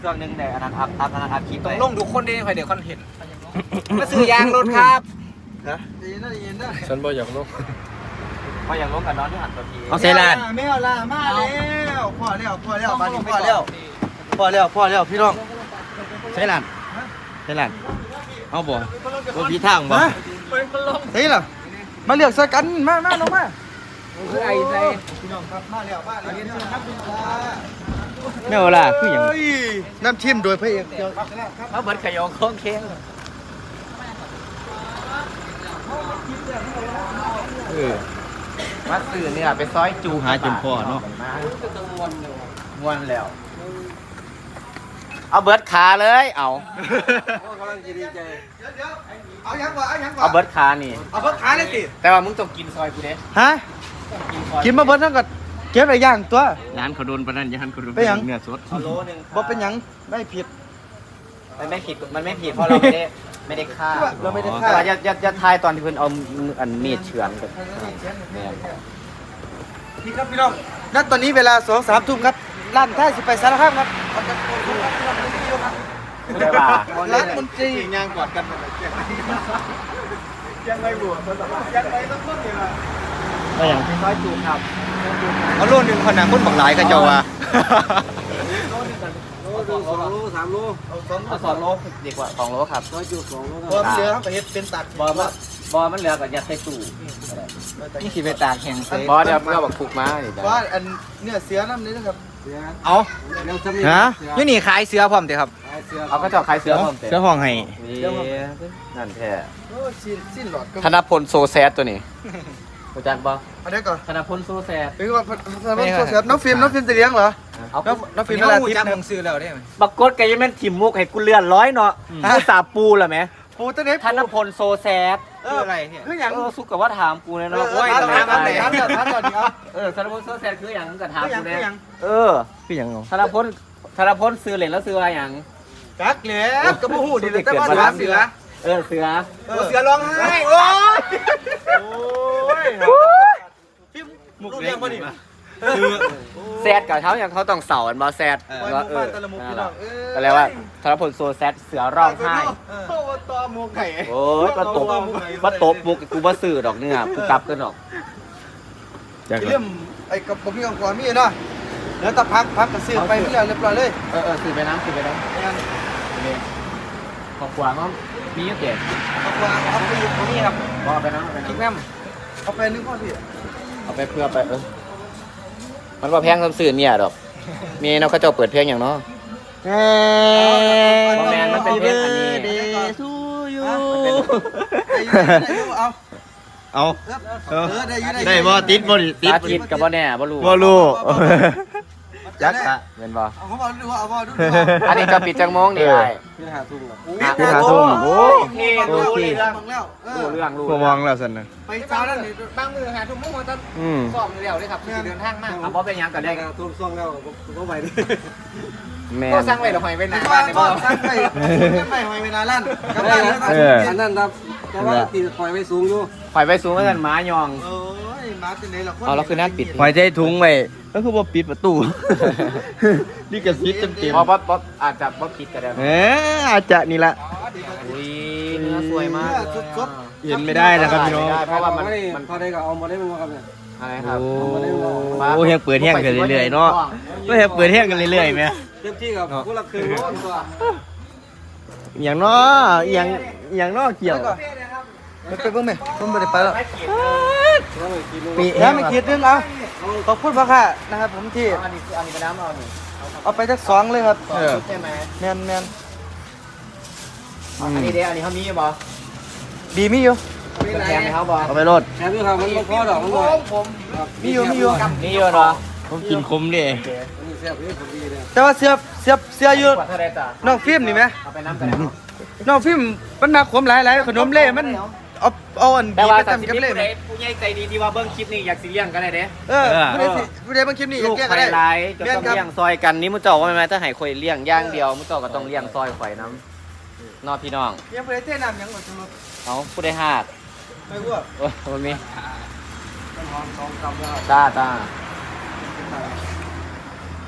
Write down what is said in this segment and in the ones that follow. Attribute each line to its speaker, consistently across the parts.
Speaker 1: เครื่องนึงแต่อันนั้นอัพคลิป
Speaker 2: ต้องลงทุกคนได้ใครเดี๋ยวคอนเห็น
Speaker 1: มาซื้อยางรถครับ
Speaker 3: นะเย็นนะ
Speaker 2: ฉันบอกอยากลง
Speaker 1: พออย่างลงกับน้องที่หันตัวที
Speaker 3: เอาเซลานไม่เอาละมาแล้วพ่อแล้วมาดิพ่อแล้วพี่น้องเซลานเอาบ่บ่พี่ทางบ่เฮ้ยล่ะมาเลือกใส่กันมาลงมา
Speaker 2: คือไอ้ใจ
Speaker 3: พี่น้องครับมาแล้วเรียนเชิญครับพี่น้อง
Speaker 1: ไม่เอาล่ะคืออย่าง
Speaker 3: น้ำชิมโดยพระเอกเจ้า
Speaker 1: เขาเบิดขยงโค้งเค้งมาซื้อเนี่ยไปซอยจู
Speaker 3: หาจนพ่อเนาะ
Speaker 1: ม้วนแล้วเอาเบิร์ดขาเลยเอา
Speaker 3: กำลังจะดีใจเดี๋ยวเอายังก่อน
Speaker 1: เอาเบิร์ดขานี่
Speaker 3: เอาเพิ่งขาเลยสิ
Speaker 1: แต่ว่ามึงต้องกินซอยกูเด้
Speaker 3: ฮะกินมาเบิดทั้งกัดเก็บอะไรย่างตัว
Speaker 1: ร้านเขาโดนปะนั่นยันเขาโดน
Speaker 3: ไปยัง
Speaker 1: เนื้อสดเอาโลนึง
Speaker 3: บ่เป็นหยังไม่ผิด
Speaker 1: มันไม่ผิดเพราะเราไม่ได้ฆ่า
Speaker 3: เราไม่ได้ฆ่า
Speaker 1: แต่ว่าอย่าทายตอนที่เพิ่นเอาอันมีดเฉือนกัน
Speaker 3: นี่ครับพี่น้องณตอนนี้เวลา 2-3 ทุ่มครับร้านท้ายสิไปสารคามครับ
Speaker 1: ได้ป่ะ
Speaker 3: ร้านมนตรียางกอดกันยังไม่บวชยังไม่ต้องพูดเลย
Speaker 1: ก็อย่างซอยจูครับ
Speaker 3: เอาโลนึงคนน่ะคนบักหลายก็เจ้าว่า
Speaker 1: เอา2 โลดีกว่า2 โลครับซอยจู2 โล
Speaker 3: พอเสือครับไปเฮ็ดเป็นตัด
Speaker 1: บอมันเหลือก็อย่าใส่ตู้
Speaker 2: นี่สิไปตากแข่ง
Speaker 1: บอเดี๋ยวเพื่อบอกถูกมาดิ
Speaker 3: ว่าอันเนี่ยเสือน้ำนี้นะครับ
Speaker 2: เอา
Speaker 3: ฮะ
Speaker 2: อยู่นี่ขายเสือพร้อมเถอะครับ
Speaker 1: เอาก็เจาะขายเสือผมเตะ
Speaker 2: เสือห้องให้
Speaker 1: นั่นแท้
Speaker 3: โอ้สิ้นหลอดก็
Speaker 1: ธนพลโซแซดตัวนี้รู้จักบ่
Speaker 3: เอาเดี๋ยวก่อน
Speaker 1: ธนพลโซแซด
Speaker 3: เป็นว่าเสือน้องฟิล์มจะเลี้ยงเหรอ
Speaker 1: เอา
Speaker 3: น้องฟิล์ม
Speaker 2: นี่
Speaker 3: เวลา
Speaker 2: หู
Speaker 3: ทิพ
Speaker 2: จัก
Speaker 3: ย์
Speaker 2: ผมซื้อแล้วได้ไหม
Speaker 1: บักกดแกยังแม่นถิ่มมุกให้กูเลื่อนร้อยเนาะกูสาปูล่ะแม่
Speaker 3: ปูตัวนี้
Speaker 1: ธนพลโซแซด
Speaker 2: คืออะไรเนี่ย
Speaker 3: คืออย่าง
Speaker 1: สุกกับว่าถามกูเลยเนาะ
Speaker 3: ถามก่อนดิครับ
Speaker 1: ธนพลโซแซดคืออย่างก็ถาม
Speaker 3: คืออย่าง
Speaker 1: กู
Speaker 3: คือ
Speaker 1: เนี่
Speaker 3: อย่าง
Speaker 1: คืออย่างธนพลซื้อเหรียญแล้วซื้ออะไรอย่าง
Speaker 3: กักเหลี่ยมกระพู้ดีเลยแต่ว่าถามเสือ
Speaker 1: เสือ
Speaker 3: เสือร้องไห้โอ้ยพี่มุกเลี้ยงป่ะนี่
Speaker 1: แซดกับเขาอย่างเขาต้องเสาอันบอแซด
Speaker 3: ว่าตะละมุกพี่น้อง
Speaker 1: ก็เลยว่าธนพลโซแซดเสือร้องไห้
Speaker 3: โอ้ตอมุกไก่
Speaker 1: โอ้ยมาตบมุกกูมาสื่อดอกเนี่ยกูกลับกันดอก
Speaker 3: เรื่องไอ้กับผมพี่ของความมีเนาะแล้วตะพักกระซื้อไปเรียบร้อยเลย
Speaker 1: สื่อไปน้ำของขวางก็มีเยอะเกิน
Speaker 3: เอาไปอยู่
Speaker 1: นี่ครับบอกไปน้ำ
Speaker 3: คิกแม่เอาไปนึงพ่อพี่
Speaker 1: เอาไปเพื่อไปมันว่าแพงคำสื่อเนี่ยดอกมีเนาะเขาจะเปิดเพลงอย่างเนาะ แมนมันเป็นเพลงอันนี้
Speaker 3: เอาได้บ่ติดบ่ติด
Speaker 1: อาทิตย์กับบ่แน่บ่รู้
Speaker 3: บ่รู้
Speaker 1: จักอะเป็นบ่
Speaker 3: เอาเขาบอกดูเอาบ่ดู
Speaker 1: อันนี้จะปิดจังโมงนี่ไอ้
Speaker 3: คือหาทุ่ม
Speaker 1: โอ้โอเครู้เรื่อง
Speaker 3: แล้ว
Speaker 1: รู้เรื่องรู้
Speaker 3: บ่มองแล้วซั่นน่ะไป
Speaker 2: ไป
Speaker 3: เช้า
Speaker 2: เช้า
Speaker 3: แล้
Speaker 2: แล้ว ว
Speaker 3: นี่
Speaker 2: บางมือหาทุ่มมุ่งมาตั้งสอบเร็วเลยครับเดินทางมาก
Speaker 1: อ่ะบ่เป็นหยังก็ได้
Speaker 3: ทุ่มซ่องแล้วบ่ไปดิ
Speaker 1: แม่
Speaker 2: ก็สั่งไว้หรอหอยไว้หน้า
Speaker 3: บ้า
Speaker 2: บ้าน น
Speaker 3: ใน
Speaker 2: ใน
Speaker 3: บ้า
Speaker 2: บ้าน น
Speaker 3: ไม่หอยเวลาลั่นกับบ้านอันนั้นครับแต่ว่าตีคอยไว้สูงอยู่
Speaker 1: ข่อยไปสูงกันหมายอง
Speaker 3: โอ้ยมาที่ไหนล่ะ
Speaker 1: เอาแล้วคือหน้าปิด
Speaker 4: หอยใจถุงไว้ก็คือว่าปิดประตู นี่กระซิบเต็ม
Speaker 1: เพราะว่าอาจจะบ่ผิดก็ได้
Speaker 4: ๆอาจจะนี่ละ
Speaker 1: อุ้ยเนื้อสวยมาก
Speaker 4: เห็นไม่ได้นะครับพี่น้อง
Speaker 1: เพราะว่ามัน
Speaker 3: พอได้ก็เอามาได้มั้งครับเนี่ย
Speaker 1: อะไรครับ
Speaker 4: โอ้ยังเปิดแห้งกันเรื่อยๆเนาะก็ยังเปิดแห้งกันเรื่อยๆไหม
Speaker 3: เต็มที่กับผู้ละครึ่งร้อนกว่า
Speaker 4: อย่างเนาะอย่างเนาะเกี่ยว
Speaker 3: ไปเบิ่งไหมผมไม่ได้ไปแล้ว
Speaker 4: ปี
Speaker 3: แล้ไม่คิดนึงเอาขอบคุณพ่อค่ะนะครับผมที่
Speaker 1: อันนี้คืออันนี้เป็นน้ำเอาหนึ่ง
Speaker 3: เอาไปสัก2เลยครับ
Speaker 1: ใช่ไหม
Speaker 3: แมน
Speaker 1: อันนี้เด้อันนี้เขามีบ่
Speaker 3: ดีมีอยู่
Speaker 1: แถมให้เขาบ่
Speaker 4: เอาไปรด
Speaker 3: แถมอยู่ครับมันบ่พอดอกมันบ่มีอยู่
Speaker 1: มีเยอะเนาะ
Speaker 4: ผมกินคมดิ
Speaker 3: แต่ว่าเสื้ออยู่
Speaker 1: กว่าเท่าไรจ้ะ
Speaker 3: น้องฟิล์มนี่ไหม
Speaker 1: เอาไปน้ำกันเนาะ
Speaker 3: น้องฟิล์มมันหนักขมหลายขนมเล่มันเอาอัน
Speaker 1: แต่
Speaker 3: บี
Speaker 1: ว่า
Speaker 3: ไป
Speaker 1: แต่
Speaker 3: ทำ
Speaker 1: ที่
Speaker 3: กับ
Speaker 1: ผู้
Speaker 3: เล่
Speaker 1: ใดผู้ใหญ่ใจดีที่ว่าเบิ้งคลิปนี้อยากสิเลี้ยงกันได้เด้
Speaker 3: ผู้ใดบางคลิปนี่
Speaker 1: ลูก
Speaker 3: แก้
Speaker 1: ไข่
Speaker 3: ได้
Speaker 1: ลายจะต้องเลี้ยงซอยกันนี่มุ้เจ้าว่าไม่ไหมถ้าให้คอยเลี้ยงย่างเดียวมุ้เจ้าก็ต้องเลี้ยงซอยข่อยน้ำนอพี่น้อง
Speaker 3: ยังผู้ใดเท่น้ำยังหมดทุก
Speaker 1: เอาผู้ใดหาก
Speaker 3: ไม่อ้วก
Speaker 1: โอ้ยมีตา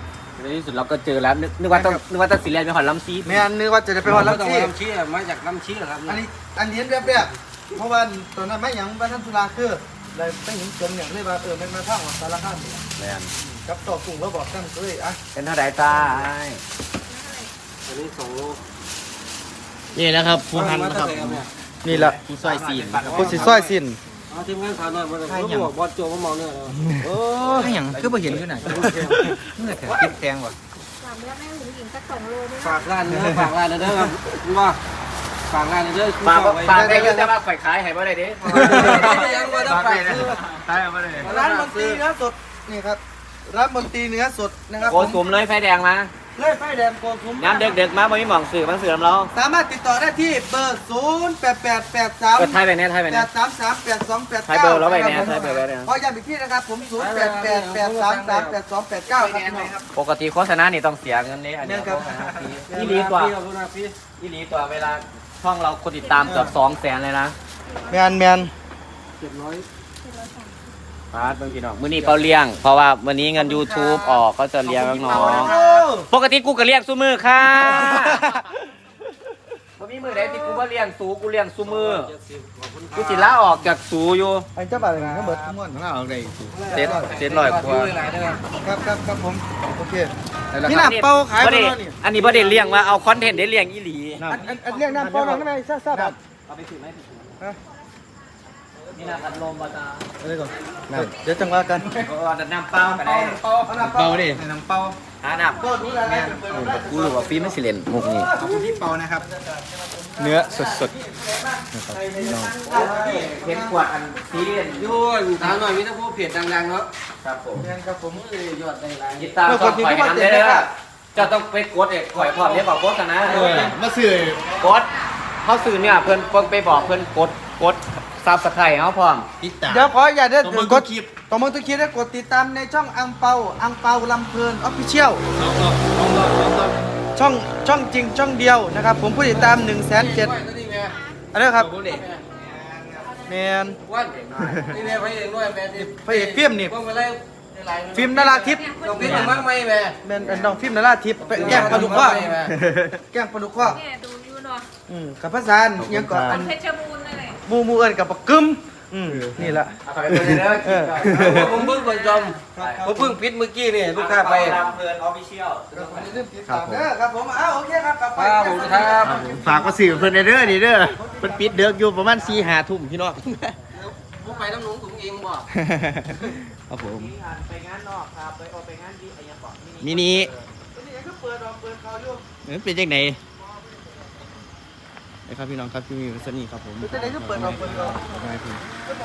Speaker 1: ในที่สุดเราก็เจอแล้วนึกว่าต้องสีแลนไปหอดลำซี
Speaker 3: แม่นนึกว่าจะได้ไปฮอดลำชี
Speaker 2: ลำชี้มาจากลำชี้เหรอครับ
Speaker 3: อันนี้แบบเพราะว่าตอนนั้นไม่หยังบ้านท่านสุราคือเลยไปเห็นจมอย่างเลยว่ามันมาท่องสารคาม
Speaker 1: แลน
Speaker 3: กับต่อกุ้งแล้วบอกตั้งเลยอ่ะ
Speaker 1: เป็นเท่าไหร่จ้า
Speaker 2: อันนี้2 โล
Speaker 4: นี่นะครับผู้พันนะครับ
Speaker 3: นี่ละ
Speaker 4: ผู้ซอยซีน
Speaker 3: ผู้สิซ้อยสิน
Speaker 2: เอาทีมงานถามหน่อยเขาบอกบอลโจมาเมาเนี่ย
Speaker 3: โอ้
Speaker 2: ให้หยังคือบ่เห็นอยู่ไหนเมื่อแต่กินแพงว่ะ
Speaker 5: ถามแล้วแม่หญิงหญิงสัก2 โลได้ไหม
Speaker 2: ฝากร้านเด้อฝากร้านเด้อครับว่าฝากร้านเด้อ
Speaker 1: ฝากได้ยังแต่ว่าข่อยขายให้บ่ได้เด้
Speaker 2: ยังว่าต้องฝาก
Speaker 1: ขายบ่ได้
Speaker 3: ร้านมนตรีเนื้อสดนี่ครับร้านมนตรีเนื้อสดนะครับ
Speaker 1: โกสุมเลยไฟแดงมา
Speaker 3: เลยไฟแดงโกคุ้ม
Speaker 1: น้ำเด็กๆมาบ่มีหม่องสื่อมันสื่อเรา
Speaker 3: สามารถติดต่อได้ที่เบอร์088883
Speaker 1: เปิดไทยไปเนี่ยไทยไปเนี่ย
Speaker 3: 8338289
Speaker 1: ไทยเบอร์แล้วไปเนี่ยไทยเบอร์ไว้เนี่ย
Speaker 3: ขอย้ำอีกทีนะครับผม0888338289ครับ
Speaker 1: ปกติโฆษณานี่ต้องเสียเงินนี่อันนี้โฆษณาฟรีอีหลีตัวอีหลีตัวเวลาช่องเราคนติดตามเกือบ200,000เลยนะ
Speaker 3: แมน
Speaker 1: พาร์ทเมื่อกี้น้องมื้อนี้เปาเลี้ยง เพราะว่าวันนี้เงิน YouTube ออกก็จะเลี้ยงน้องๆปกติกูก็เลี้ยงซุมือค่ะบ่มีมือใดที่กูบ่เลี้ยงสูกูเลี้ยงซุมือกูสิลาออกจากสูอยู่
Speaker 3: ไอ้เจ้าบ่าวอะไรนะเบิร์ดทั้งหมด
Speaker 4: เอาได้
Speaker 1: เซ็ต100กว่า
Speaker 3: ครับผมโอเคพี่หน้าเป้าขาย
Speaker 1: บ่
Speaker 3: ไป
Speaker 1: ได้
Speaker 3: แล้วนี่
Speaker 1: อันนี้บ่ได้เลี้ยงว่าเอาคอนเทนต์ได้เลี้ยงอีหลี
Speaker 3: อันเรียกน้ำเป้าน้องได้ไหมซ่าๆแบบ
Speaker 1: เอาไปถือไหมนี่นะพัดลมบ่จ้า
Speaker 3: อะไรก่อนเดี๋ยวจังว่ากัน
Speaker 1: เอาแต่น้ำเปล่าก็ได้
Speaker 4: เบาดิ
Speaker 2: น้ำเปล่า
Speaker 1: หาน้ำ
Speaker 3: ก็ดูแลแม่
Speaker 1: กูรู้ว่าฟิล์มไม่สิเล่นมุกนี้
Speaker 2: ขอบคุณที่เปานะครับ
Speaker 3: เนื้อสด
Speaker 1: เห็นขวดอันซีเรียน
Speaker 2: ยุ่นถามหน่อยมีแต่พวกเพจดังๆเนาะ
Speaker 1: ครับผม
Speaker 3: ๆแม่นครับผม
Speaker 2: ยอดได้หลาย
Speaker 1: ยิตาต้องปล่อยน้ำได้เลยจะต้องไปกดเอกปล่อยพร้อมเรียกบอกโฆษณา
Speaker 4: มาสื่อก
Speaker 1: ดเขาสื่อเนี่ยเพิ่นไปบอกเพิ่นกดซับสไครต์เขาพร้อม
Speaker 4: ติดตาม
Speaker 3: เดี๋ยวขออย่าได้
Speaker 4: ต้องมึง
Speaker 3: ก
Speaker 4: ทุ
Speaker 3: ด
Speaker 4: กคลิป
Speaker 3: ต้องมึงทุกคลิปได้กดติดตามในช่องอังเปาลำเพลินออฟฟิเชียลช่องจริงช่องเดียวนะครับผมผู้ติดตาม 1,700,000 อันนี้ครับแมน
Speaker 2: วันนี่แม่ไปเองด้วยแม่ที่
Speaker 3: พระเอกฟิล์มนี่
Speaker 2: ต้องไปไล่หลาย
Speaker 3: ฟิล์มนาราทิพย์
Speaker 2: ต้องพิจารณาไหมแม่
Speaker 3: แมนน้องฟิล์มนาราทิพย์ไปแกล้งปลาดุกข้อแกล้งปลาดุกข้อ
Speaker 5: แม่ดูอยู่เนาะ
Speaker 3: กับภาษายังก่อนอัน
Speaker 5: เพชรบูรณ์นั่นแหละ
Speaker 3: มูเอิญกับปลากึมนี่แหละ
Speaker 1: เอาไปเลยเด้อ
Speaker 2: ผมเพิ่งคนจอมผมเพิ่งปิดเมื่อกี้นี่ลูกค้าไป
Speaker 1: ลำเพลินออฟฟิเชียล
Speaker 3: ครับผมโอเคครับกลับไป
Speaker 2: ครับผมครับ
Speaker 4: ฝากมาสื่อเพิ่นเด้อนี่เด้อเพิ่นปิดเดือกอยู่ประมาณ4-5 ทุ่มพี่น้อง
Speaker 2: ผมไปน้ำหนุ่งถุงเองบ่
Speaker 4: ครับผม
Speaker 1: ไปงานนอกครับไปงานที่ไอ้ยังบอก
Speaker 4: มินิเป็นจังไหนนะครับพี่น้องครับที่มีวัสนีครับผม
Speaker 3: จะได้ก็เปิดออก